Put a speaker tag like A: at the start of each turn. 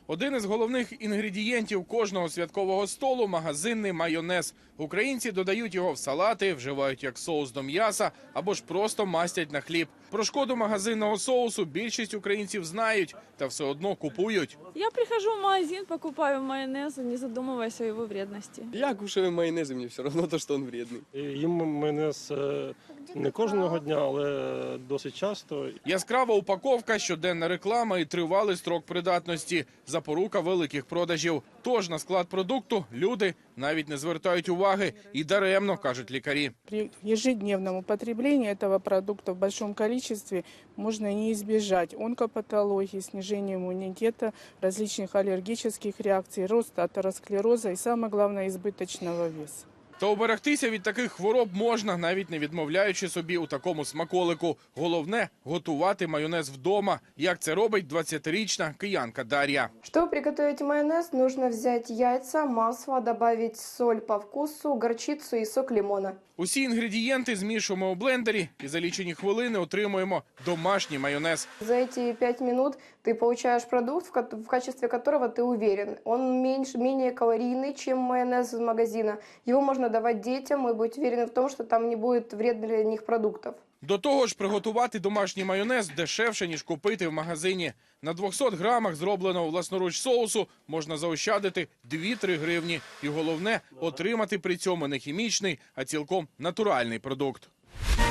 A: Один із головних інгредієнтів кожного святкового столу – магазинний майонез. Українці додають його в салати, вживають як соус до м'яса або ж просто мастять на хліб. Про шкоду магазинного соусу більшість українців знають, та все одно купують.
B: Я прихожу в магазин, покупаю майонез, не задумываясь о его вредности.
C: Я кушаю майонез, и мне все равно то, что он вредный.
D: Їм майонез не кожного дня, але досить часто.
A: Яскрава упаковка, щоденна реклама і тривалий строк придатності – запорука великих продажів. Тож на склад продукту люди навіть не звертають уваги. І даремно, кажуть лікарі.
E: При ежедневном употреблении этого продукта в большом количестве можно не избежать онкопатологии, снижения иммунитета, различных аллергических реакций, роста атеросклероза и, самое главное, избыточного веса.
A: Та уберегтися від таких хвороб можна, навіть не відмовляючи собі у такому смаколику. Головне – готувати майонез вдома, як це робить 20-річна киянка Дар'я.
F: Чтобы приготовить майонез, нужно взять яйца, масло, добавить соль по вкусу, горчицу и сок лимона.
A: Усі інгредієнти змішуємо у блендері і за лічені хвилини отримуємо домашній майонез.
F: За эти 5 минут ты получаешь продукт, в качестве которого ты уверен. Он менее калорийный, чем майонез из магазина. Его можно давать детям и быть уверенным в том, что там не будет вредных для них продуктов.
A: До того ж, приготувати домашній майонез дешевше, ніж купити в магазині. На 200 грамах зробленого власноруч соусу можна заощадити 2-3 гривні. І головне – отримати при цьому не хімічний, а цілком натуральний продукт.